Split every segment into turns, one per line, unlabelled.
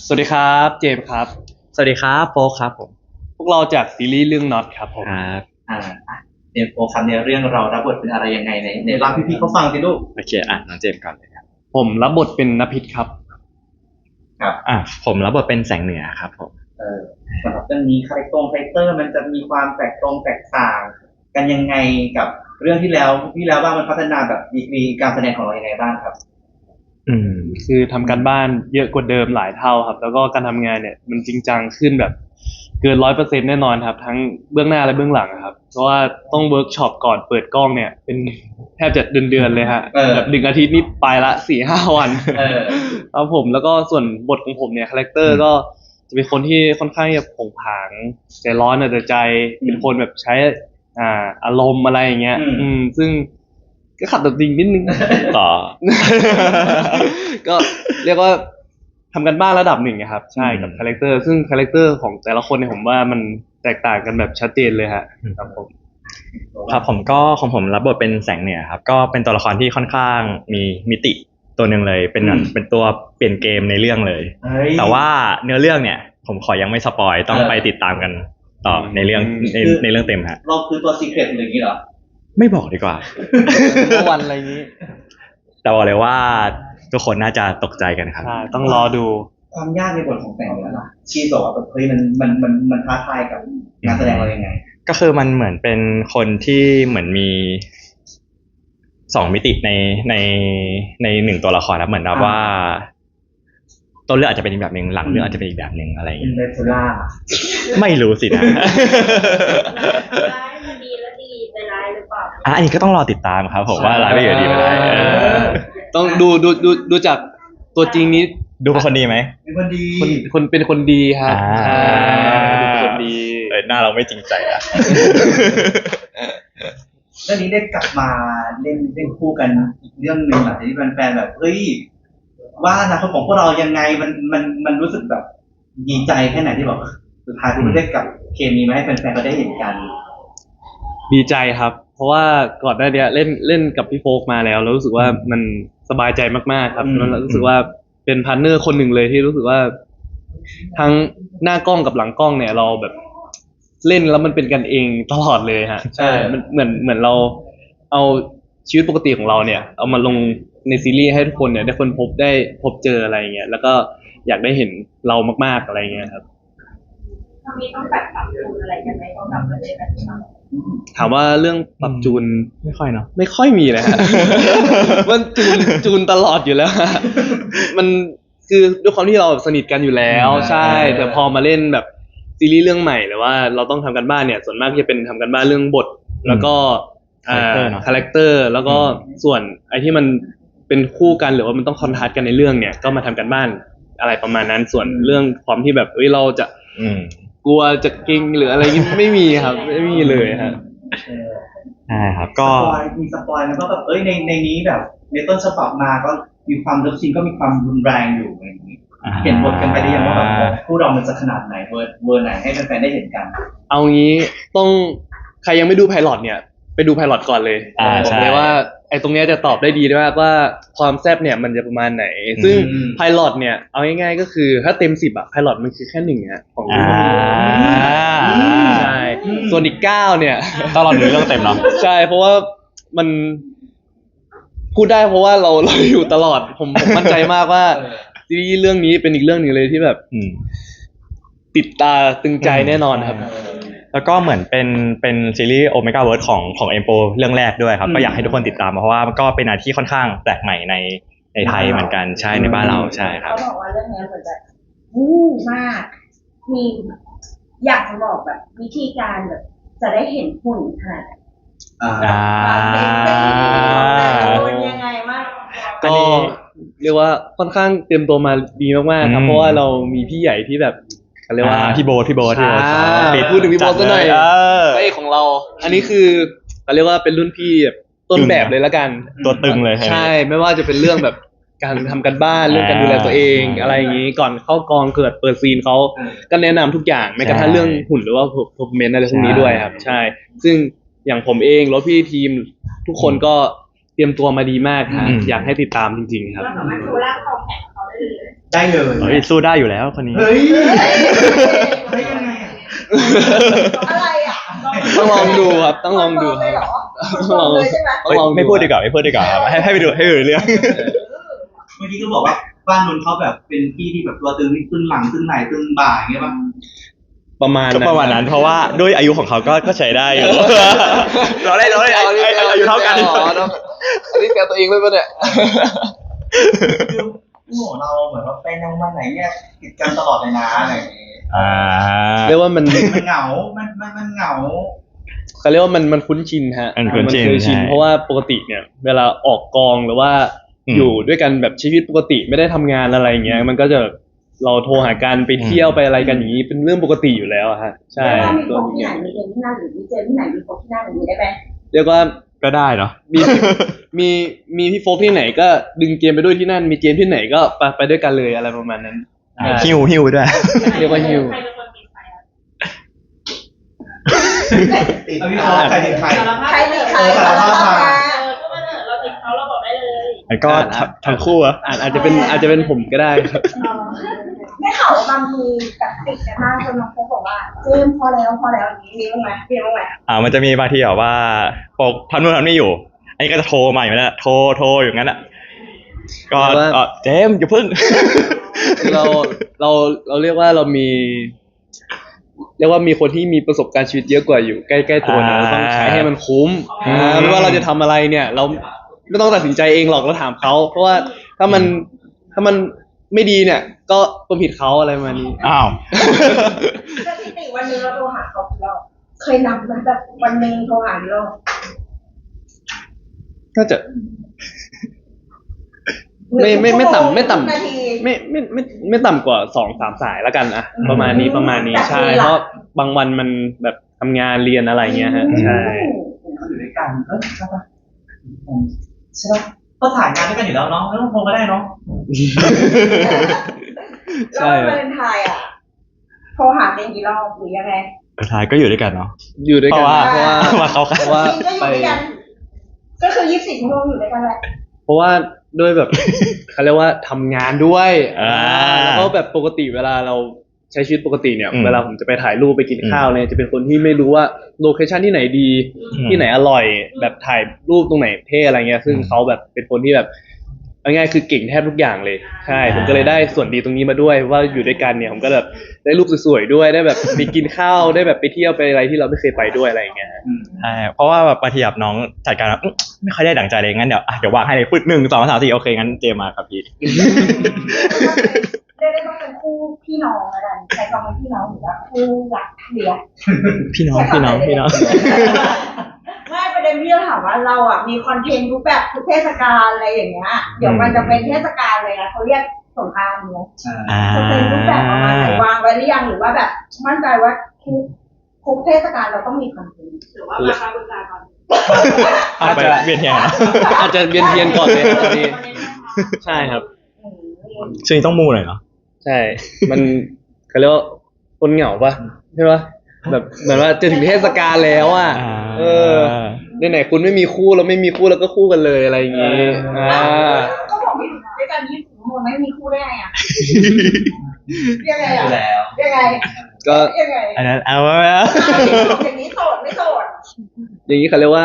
สวัสดีครับเจมส์ครับ
สวัสดีครับโฟกครับผม
พวกเราจากซีรีส์เรื่องน็อตครับผม
ครับ
อ่าเนโอครับในเรื่องเรารับบทเป็นอะไรยังไงในเล่าพี่ๆเขาฟังสิลูก
โอเคน้องเจมส์ก่อนเลยครับ
ผมรับบทเป็นนภิษครับ
ครับ
ผมรับบทเป็นแสงเหนือครับผม
สำหรับเรื่องนี้คาแรคเตอร์มันจะมีความแตกต่างกันยังไงกับเรื่องที่แล้วว่ามันพัฒนาแบบดีกรีการแสดงของเรายังไงบ้างครับ
คือทำการบ้านเยอะกว่าเดิมหลายเท่าครับแล้วก็การทำงานเนี่ยมันจริงจังขึ้นแบบเกิน100%แน่นอนครับทั้งเบื้องหน้าและเบื้องหลังครับเพราะว่าต้องเวิร์กช็อปก่อนเปิดกล้องเนี่ยเป็นแทบจะเดือนเลยฮะแบบ1 อาทิตย์นี่ไปละ4-5 วันครับผมแล้วก็ส่วนบทของผมเนี่ยคาแรคเตอร์ก็จะเป็นคนที่ค่อนข้างจะผงผางใจร้อนแต่ใจเป็นคนแบบใช้อารมณ์อะไรอย่างเงี้ยซึ่งก็ขัดตัวจริงนิดนึง
ต่อ
ก็เรียกว่าทำกันบ้านระดับหนึ่งครับใช่กับคาแรคเตอร์ซึ่งคาแรคเตอร์ของแต่ละคนเนี่ยผมว่ามันแตกต่างกันแบบชัดเจนเลยฮะครับผม
ครับผมก็ของผมรับบทเป็นแสงเหนือครับก็เป็นตัวละครที่ค่อนข้างมีมิติตัวหนึ่งเลยเป็นตัวเปลี่ยนเกมในเรื่องเลยแต่ว่าเนื้อเรื่องเนี่ยผมขอยังไม่สปอยต้องไปติดตามกันต่อในเรื่องในเรื่องเต็มฮะ
เราคือตัวซีเครตหรืออย่างนี้เหรอ
ไม่บอกดีกว่า
เมื่อวันอะไรนี้
แต่บอกเลยว่าทุกคนน่าจะตกใจกันครับ
ต้องรอดู
ความยากในบทของแสงเหนือล่ะชีบอกว่าเฮ้ยมันท้าทายกับงานแสดงเรายังไง
ก็คือมันเหมือนเป็นคนที่เหมือนมี2 มิติใน1ตัวละครนะเหมือนว่าต้นเรื่องอาจจะเป็นอีกแบบหนึ่งหลังเรื่องอาจจะเป็นอีกแบบหนึ่งอะไรอย่างเงี้ยไม่รู้สินะ
ร้ายมันดีแล้วดีไปร้ายหรือเปล่า
อันนี้ก็ต้องรอติดตามครับผมว่าร้ายไม่อยู่ดีไปร้าย
ต้องดูจากตัวจริงนี้
ดูเป็นคนดีไหม
เป็นคนดี
คนเป็นคนดีครับเป็นคนดี
หน้าเราไม่จริงใจอ่ะ
เรื่องนี้ได้กลับมาเล่นคู่กันอีกเรื่องหนึ่งหลังจากที่แฟนๆแบบเฮ้ยว่าอนาคตของพวกเรายังไงมันรู้สึกแบบดีใจแค่ไหนที่แบบสุดท้ายคุณได้กับเคมีมาให้แฟนๆก็ได้เห็นกัน
ดีใจครับเพราะว่าก่อนหน้านี้เล่นกับพี่โฟกมาแล้วรู้สึกว่ามันสบายใจมากๆครับแล้วรู้สึกว่าเป็นพาร์ทเนอร์คนหนึ่งเลยที่รู้สึกว่าทั้งหน้ากล้องกับหลังกล้องเนี่ยเราแบบเล่นแล้วมันเป็นกันเองตลอดเลยฮะใช่มันเหมือนเราเอาชีวิตปกติของเราเนี่ยเอามาลงในซีรีส์ให้ทุกคนเนี่ยได้พบเจออะไรอย่างเงี้ยแล้วก็อยากได้เห็นเรามากๆอะไรอย่างเงี้ยครับ
ตอนนี้ต้องแบบปรับจูนอะไรกันไหมต้องกลับมาเล่นแบบนี้
ถามว่าเรื่องปรับจูน
ไม่ค่อยเนาะ
ไม่ค่อยมีเลยฮะ มันจูนตลอดอยู่แล้วมันคือด้วยความที่เราสนิทกันอยู่แล้วใช่แต่พอมาเล่นแบบซีรีส์เรื่องใหม่หรือว่าเราต้องทำกันบ้านเนี่ยส่วนมากจะเป็นทำกันบ้านเรื่องบทแล้วก็คาแรคเตอร์แล้วก็ส่วนไอ้ที่มันเป็นคู่กันหรือว่ามันต้องคอนทราสต์กันในเรื่องเนี่ยก็มาทำกันบ้านอะไรประมาณนั้นส่วนเรื่องความที่แบบเราจะกลัวจะเก่งหรืออะไรนี้ไม่มีครับไม่มีเลยครับ
ใช่ครับก็
มีสปอยแล้วก็แบบในนี้แบบในต้นฉบับมาก็มีความเลิฟซีนก็มีความรุนแรงอยู่อย่างนี้เห็นบทกันไปได้ยังว่าแบบคู่เรามันจะขนาดไหนเวอร์ไหนให้แฟนๆได้เห็นกัน
เอางี้ต้องใครยังไม่ดูไพลอตเนี่ยไปดูไพลอตก่อนเลยบอกเลยว่าไอ้ตรงเนี้ยจะตอบได้ดีมากว่าความแซ่บเนี่ยมันจะประมาณไหนซึ่งไพลอตเนี่ยเอาง่ายๆก็คือถ้าเต็ม10ไพลอตมันคือแค่1ฮะของใช่ส่วนอีก9เนี่ย
ต้องรอดูเรื่องเต็มเนาะ
ใช่เพราะว่ามันพูดได้เพราะว่าเราอยู่ตลอดผมมั่นใจมากว่าซีรีส์เรื่องนี้เป็นอีกเรื่องนึงเลยที่แบบติดตาตึงใจแน่นอนครับ
แล้วก็เหมือนเป็นซีรีส์โอเมก้าเวิร์ดของเอ็มโปเรื่องแรกด้วยครับก็อยากให้ทุกคนติดตามเพราะว่ามันก็เป็นอะไรที่ค่อนข้างแปลกใหม่ในไทยเหมือนกันใช่ในบ้านเราใช่ครับ
เขาบอกว่าเรื่องนี้เหมือนแบบวู้มากมีอยากจะบอกแบบวิธีการแบบจะได้เห็นหุ่นขนาดเป็นยังไงบ้าง
ก็เรียกว่าค่อนข้างเตรียมตัวมาดีมากๆครับเพราะว่าเรามีพี่ใหญ่ที่แบบเขาเรียกว่า
พี่โบ๊ท
พูดถึงพี่โบ๊ทซะหน่อยพระเอกของเราอันนี้คือเขาเรียกว่าเป็นรุ่นพี่แบบต้นแบบเลยละกัน
ตัวตึงเลย
ใช่ไม่ว่าจะเป็นเรื่องแบบการทำกันบ้านเรื่องการดูแลตัวเองอะไรอย่างนี้ก่อนเข้ากองเกิดเปิดซีนเขาก็แนะนำทุกอย่างแม้กระทั่งเรื่องหุ่นหรือว่าเพอร์ฟอร์แมนซ์อะไรพวกนี้ด้วยครับใช่ซึ่งอย่างผมเองแล้วพี่ทีมทุกคนก็เตรียมตัวมาดีมากครับอยากให้ติดตามจริงๆครับ
เราสามารถดูร่างคอแข็งเขาได้
ได้เลย
เฮ้ยสู้ได้อยู่แล้วคนนี้
เฮ้ยเฮ้ยยังไงอะ
อะไรอ่ะ
ต้องลองดูครับ ต้องลองดู
เลย
ค
เหร
รับ
อคนเลยใช่ไหม
ต้องลอง
ไม่พูดดีกว่าไม่พูดดีกว่าครับให้ไปดูเรื่อง
เมื่อกี้ก็บอกว่าบ้านนนท์เขาแบบเป็นที่ที่แบบตัวตึงนี่ตึงหลังตึงไหล่ตึงบ่าอย่างเงี้ยป่ะ
ประมาณ
ก็ประมาณนั้นเพราะว่าด้วยอายุของเขาก็ใช้ได้อยู่เราได้อายุเท่ากัน
อันนี้แกตัวเองเลยปะเนี่ย
คือโอ้โหเราเหมือนว่าไปนวันไหนเนี่ยติดกันตลอดเลยนะอะไรอย่างเงี้ย
เรียกว่ามัน
มันเหงา มันเหงา
เขาเรียกว่ามันคุ้นชินฮะ
มันคุ้นชิน
เคยชิน
ใช่
เพราะว่าปกติเนี่ย เวลาออกกองหรือว่า อยู่ด้วยกันแบบชีวิตปกติไม่ได้ทำงานอะไรอย่างเงี้ย มันก็จะเราโทรหากันไปเที่ยวไปอะไรกันอย่างนี้เป็นเรื่องปกติอยู่แล้วอะฮะใช่
เรียกว่ามี
ตัว
โพกที่
นี้
ไหนมีเกมที่นั่นหรือมีเจอที่ไหนมีโพกที่นั่นอย่างนี้ได้ไหม
เรียกว่า
ก็ได้เนาะ
มีพี่โฟกที่ไหนก็ดึงเกมไปด้วยที่นั่น มีเกมที่ไหนก็ไปด้วยกันเลยอะไรประมาณนั้นใช่
หิวด้วย
เรียกว่าฮิว
ใครเป็นคนปิดไฟอ่ะ
เอาพี่โฟกใครเป็นใคร
ใครมีใคร
สารภาพมา
ก็มาเถอะเราติดเขาเราบอกได้เลย
แล้วก็ทั้งคู่อะ
อาจจะเป็นผมก็ได้ครับ
ได้ข่าวว่าบางทีแบบติดกันมากจนน้องโพกบอกว่าเจมพอแล้วอย่างนี้มีบ้างไหมมีบ้างไหม
มันจะมีบางทีแบบว่าปกทำนู่นทำนี่อยู่ อันนี้ก็จะโทรมาอยู่นั่นแหละโทรอยู่งั้นอ่ะก็เจมส์อย่าพึ่ง
เราเรียกว่าเรามี เรียกว่ามีคนที่มีประสบการณ์ชีวิตเยอะกว่าอยู่ใกล้ๆตัวเนี่ยเราต้องใช้ให้มันคุ้มไม่ว่าเราจะทำอะไรเนี่ย เราไม่ต้องตัดสินใจเองหรอกเราถามเขาเพราะว่าถ้ามันไม่ดีเนี่ย ก็ความผิดเขาอะไรประมาณนี้
อ้าว
สถิติวันหนึงเราโทรหาเขากี่รอบเคยนับไหมแบบวันหนึงโทรหากี่รอบ
ก็จะ ไม่ต่ำ
นาที
ไม่ต่ำกว่า2-3 สายแล้วกันอะประมาณนี้ใช่เพราะบางวันมันแบบทำงานเรียนอะไรเงี้ยฮะใช่
อยู่ด้วยกันใช่ปะใช่ปะก็ถ่ายงานด้วยกันอยู่แล้วเนาะไม่ต้องโทรก็ได้เนาะ
ใช่
แล้ววาเลนไทน์อ่ะโทรหาเป็นกี่รอบหรือยังไง
สุดท้ายก็อยู่ด้วยกันเนาะ
อยู่ด้วยกัน
เพราะว่ามาเขากัน
เพราะว่า
จริงก็อยู่ด้วยกันก็คือ24 ชั่วโมงอยู่ด้วยกันแหละ
เพราะว่าด้วยแบบ เขาเรียกว่าทำงานด้วยแล้วก็แบบปกติเวลาเราใช้ชีวิตปกติเนี่ย เวลาผมจะไปถ่ายรูปไปกินข้าวเนี่ยจะเป็นคนที่ไม่รู้ว่าโลเคชั่นที่ไหนดี ที่ไหนอร่อย แบบถ่ายรูปตรงไหนเท่อะไรเงี้ยซึ่งเขาแบบเป็นคนที่แบบเอาง่ายๆคือเก่งแทบทุกอย่างเลยใช่ผมก็เลยได้ส่วนดีตรงนี้มาด้วยว่าอยู่ด้วยกันเนี่ยผมก็แบบได้รูปสวยๆด้วยได้แบบไปกินข้าวได้แบบไปเที่ยวไปอะไรที่เราไม่เคยไปด้วยอะไรอย่างเงี้ย
ใช่เพราะว่าแบบบางทีแบบน้องจัดการแบบไม่ค่อยได้ดั่งใจเลยงั้นเดี๋ยววางให้เลยปึ๊ด1 2 3 4โอเคงั้นเจมมาครับพี่
เรียกได้ว่าเป็นคู่พี่น้องแล้วกันใช้คำว่าพี่น้องหรือว่าคู่รักเดียว
พี่น้อง
ไม่ประเด็นที่เราถามว่าเราอ่ะมีคอนเทนต์รูปแบบทุกเทศกาลอะไรอย่างเงี้ยเดี๋ยวมันจะเป็นเทศกาลเลยนะเขาเรียกสงกรานต์เนาะจะเป็นรูปแบบประมาณไหนวางไว้หรือยังหรือว่าแบบมั่นใจว่าทุกเทศกาลเราต้องมีคอนเทนต์
หรือว่ามาคาบุญการก่อน
อาจจะเวียนเทียนนะ
อาจจะเวียนเทียนก่อนเลยครับพี่ใช่ครับ
ช่วงนี้ต้องมูหน่อยเนาะ
ใช่ มันเขาเรียกว่าคนเหงาปะใช่ปะแบบเหมือนว่าจะถึงเทศกาลแล้วอ่ะไหนๆคุณไม่มีคู่แล้วไม่มีคู่แล้วก็คู่กันเลยอะไรอย่างงี้
ก็บอกไม่ถูกด้วยกัน24 ชั่วโมงไม่มีคู่ได้ไงอ่ะยังไง
อยู่
อ่ะ
แล้ว
ยังไง
ก็
ยังไง
อันนั้นเอาไว้แล้ว
อย่างนี้โสดไม่โสด
อย่างนี้เขาเรียกว่า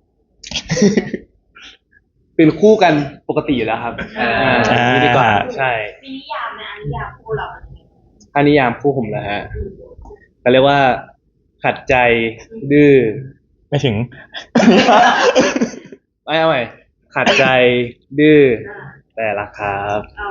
เป็นคู่กันปกติอยู่แล้วครับนี่ดีกว่าใช่
มีนิยามนะนิยามคู่เรา
ถ้านิยามคู่ผมนะฮะเขาเรียกว่า ขัดใจดื้อ
ไม่ถึง
ไม่เอาใหม่ขัดใจดื้อแต่รักครับ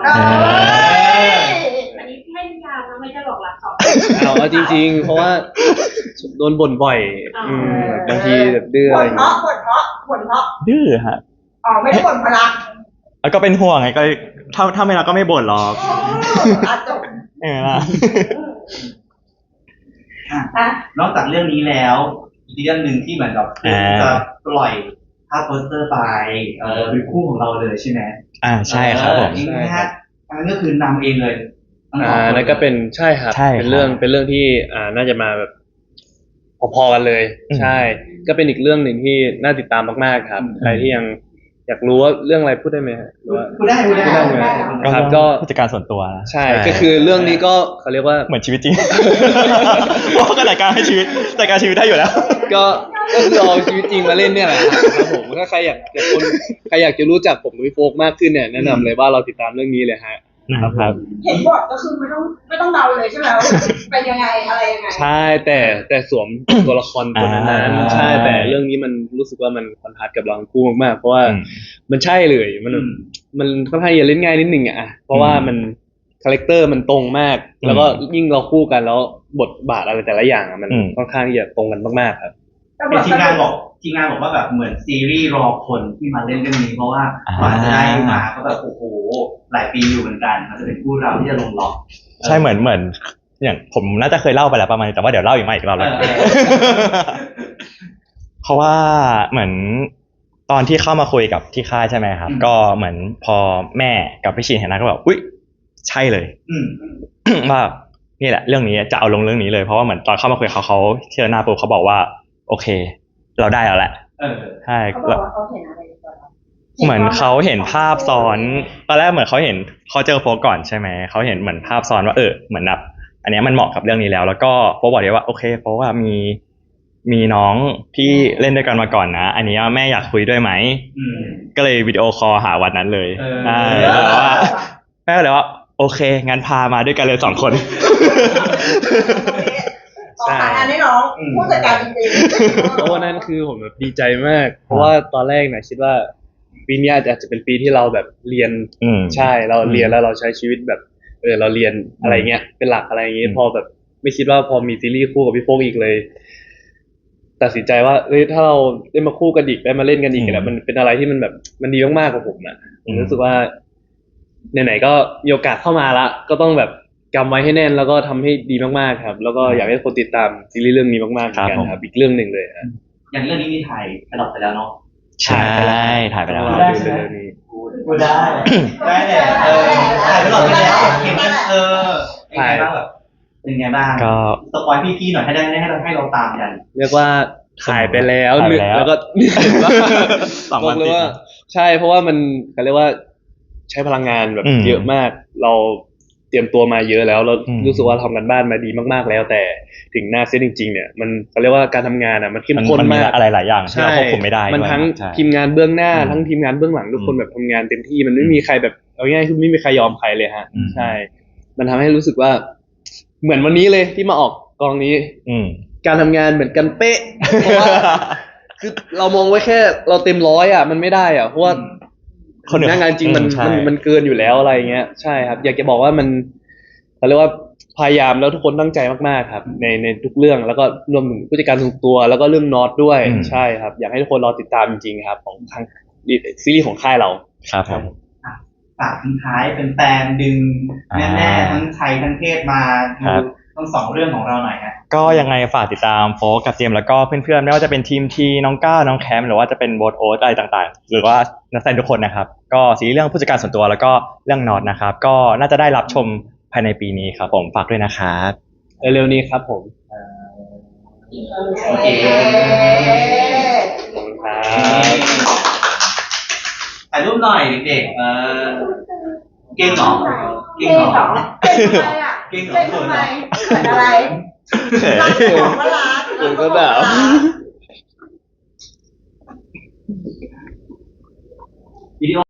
อันนี้ไม่นิยามนะไม่ใช่หลอกรักสอง
เอาจริงๆ เพราะว่าโดนบ่นบ่อยบางทีแบบดื้ออะไรอย่าง
บ่
เงี้ย
นเพราะ
ดื้อฮะ
อ๋อไม่ได้บ่นเพราะรัก
แล้วก็เป็นห่วงไงก็ถ้าไม่รักก็ไม่บ่นหรอก
จบ
เออล่ะ
อ่ะ
นอกจากเรื่องนี้แล้วอีกเรื่องหนึ่งที่เหมือนกับจะปล่อยภาพโปสเตอร์ไปเป็นคู่ของเราเลยใช่ไหม
ใช่ครับผม
จริงนะฮะอันนั้นก็คือนำเองเลยทั้งสองคน
นั่นก็เป็นใช่ครับ
ใช่ครับ
เป็นเรื่องที่น่าจะมาแบบพอๆกันเลย ใช่ ก็เป็นอีกเรื่องหนึ่งที่น่าติดตามมากๆครับใครที่ยังอยากรู้ว่าเรื่องอะไรพูดได้ไหมฮะหรือว่า
พูดได้
ครับก็
ผู้จัดการส่วนตัวนะ
ใช่ก็คือเรื่องนี้ก็เขาเรียกว่า
เหมือนชีวิตจริง เพราะก็จัดการให้ชีวิตจัดการชีวิตได้อยู่แล้ว
ก็คือเอาชีวิตจริงมาเล่นเนี่ยแหละครับผมถ้าใครอยากจะรู้จักผมกับพี่โฟกมากขึ้นเนี่ยแนะนำเลยว่าเราติดตามเรื่องนี้เลยฮะ
นะครับ
เห็นบทก็คือไม่ต้องเดาเลยใช่ไหมว่าเป็นยังไงอะไรยังไง
ใช่แต่สวม ตัวละครตัวนั้น
อ่า
ใช่แต่เรื่องนี้มันรู้สึกว่ามันคอนทราสต์กับเราทั้งคู่มากๆเพราะว่ามันใช่เลยมันค่อนข้างจะเล่นง่ายนิดนึงอ่ะเพราะว่ามันคาแรคเตอร์มันตรงมาก แล้วก็ยิ่งเราคู่กันแล้วบทบาทอะไรแต่ละอย่างอะมันค่อนข้างจะตรงกันมากๆครับ
เป็นทีมงานบอกว่าแบบเหมือนซีรีส์รอคนที่มาเล่นเรื่องนี้เพราะว่ากว่าจะได้มาก็แบบโอ้โหหลายปีอยู่เหมือนกันมันจะเป็นคู่เราที่จะลงล็อก
ใช่เหมือนอย่างผมน่าจะเคยเล่าไปแล้วประมาณนี้แต่ว่าเดี๋ยวเล่าอีกรอบแล้ว เพราะว่าเหมือนตอนที่เข้ามาคุยกับที่ค่ายใช่ไหมครับ ก็เหมือนพอแม่กับพี่ชินเห็นหน้าก็แบบอุ๊ยใช่เลย ว่านี่แหละเรื่องนี้จะเอาลงเรื่องนี้เลยเพราะว่าเหมือนตอนเข้ามาคุยเขาเชื่อหน้าปุ๊บเขาบอกว่าโอเค เราได้แล้วแหละใช่
เขาบอกว่าเขาเห็นอะไรในตัวเรา
เหมือนเขาเห็นภาพซ้อนตอนแรกเหมือนเขาเจอโฟกก่อนใช่ไหมเขาเห็นเหมือนภาพซ้อนว่าเหมือนแบบอันนี้มันเหมาะกับเรื่องนี้แล้วก็โฟกบอกเลยว่าโอเคเพราะว่ามีน้องที่เล่นด้วยกันมาก่อนนะอันนี้แม่อยากคุยด้วยไหมก็เลยวิดีโอคอลหาวันนั้นเลยใช่แต่ว่าแม่ก็เลยว่าโอเคงั้นพามาด้วยกันเลย2 คน
ขอหางานให้น้องผู้จัดการจริงๆ
เพราะว่านั่นคือผมแบบดีใจมาก เพราะว่าตอนแรกนะคิดว่าปีนี้อาจจะเป็นปีที่เราแบบเรียนใช่เราเรียนแล้วเราใช้ชีวิตแบบเราเรียนอะไรเงี้ยเป็นหลักอะไรเงี้ยพอแบบไม่คิดว่าพอมีซีรีส์คู่กับพี่โฟกอีกเลย ตัดสินใจว่าถ้าเราได้มาคู่กันอีกได้มาเล่นกันอีกแล้วมันเป็นอะไรที่มันแบบมันดีมากๆกับผมอ่ะผมรู้สึกว่าไหนๆก็มีโอกาสเข้ามาละก็ต้องแบบกำไว้ให้แน่นแล้วก็ทำให้ดีมากๆครับ แล้วก็อยากให้คนติดตามซีรีส์เรื่องนี้มากๆเหมือนกันครับอีกเรื่องหนึ่งเลยครับ
อย่างเรื่องนี้มีถ่ายไปหลอกไปแล้วเนาะ
ใช่ถ่ายไปแล้ว
ดูเรื่องนี้
กูได้เนี่ยถ่ายไปหลอกไปแล้วเห็นกันเป็นไงบ้างแบบเป็นไงบ้าง
ก็
สปอยพี่ๆหน่อยให้เราตามกัน
เรียกว่าถ่ายไปแล้ว
ถ่ายไปแล้ว
แล้วก็
2 วัน
บอกเลย
ติด
ว่าใช่เพราะว่ามันเขาเรียกว่าใช้พลังงานแบบเยอะมากเราเตรียมตัวมาเยอะแล้วเรารู้สึกว่าทำกันบ้านมาดีมากๆแล้วแต่ถึงหน้าเซตจริงๆเนี่ยมันเขาเรียกว่าการทำงานอ่ะมันเข้มข้น
มันมี
มาก
อะไรหลายอย่างที่เราควบคุมไม่ได้
มันทั้ง
ใช่
ทีมงานเบื้องหน้าทั้งทีมงานเบื้องหลังทุกคนแบบทำงานเต็มที่มันไม่มีใครแบบเอาง่ายๆคือไม่มีใครยอมใครเลยฮะใช่มันทำให้รู้สึกว่าเหมือนวันนี้เลยที่มาออกกองนี้การทำงานเหมือนกันเป๊ะเพราะว่าคือเรามองไว้แค่เราเต็ม100อ่ะมันไม่ได้อ่ะเพราะว่าหน้างานจริงมันเกินอยู่แล้วอะไรเงี้ยใช่ครับอยากจะบอกว่ามันเขาเรียกว่าพยายามแล้วทุกคนตั้งใจมากๆครับในทุกเรื่องแล้วก็รวมถึงผู้จัดการส่วนตัวแล้วก็เรื่องน็อตด้วยใช่ครับอยากให้ทุกคนรอติดตามจริงๆครับของทางซีรีส์ของค่ายเรา
ครับผม
ฝากทิ้งท้ายเป็นแฟนดึงแน่ๆทั้งไทยทั้งเทศมาดูทั้ง2 เรื่องของเราหน่อยฮะ
ก็ยังไงฝากติดตามโฟกกับเจมส์แล้วก็เพื่อนๆไม่ว่าจะเป็นทีมทีน้องก้าวน้องแคมหรือว่าจะเป็นโบทโอ๊ตอะไรต่างๆหรือว่านักแสดงทุกคนนะครับก็ซีรีส์เรื่องผู้จัดการส่วนตัวแล้วก็เรื่องน็อตนะครับก็น่าจะได้รับชมภายในปีนี้ครับผมฝากด้วยนะครับ
เร็วๆนี้ครับผม
โอเค
ขอบคุณครับ
ถ่ายรูปหน่อยเด็กๆเก่งเหรอ
เก่งเหรอเก่งทำไมอ่ะเก่งทำไมเกิดอะไรรักของก็รัก
ผมก็แบบ
วิดีโอ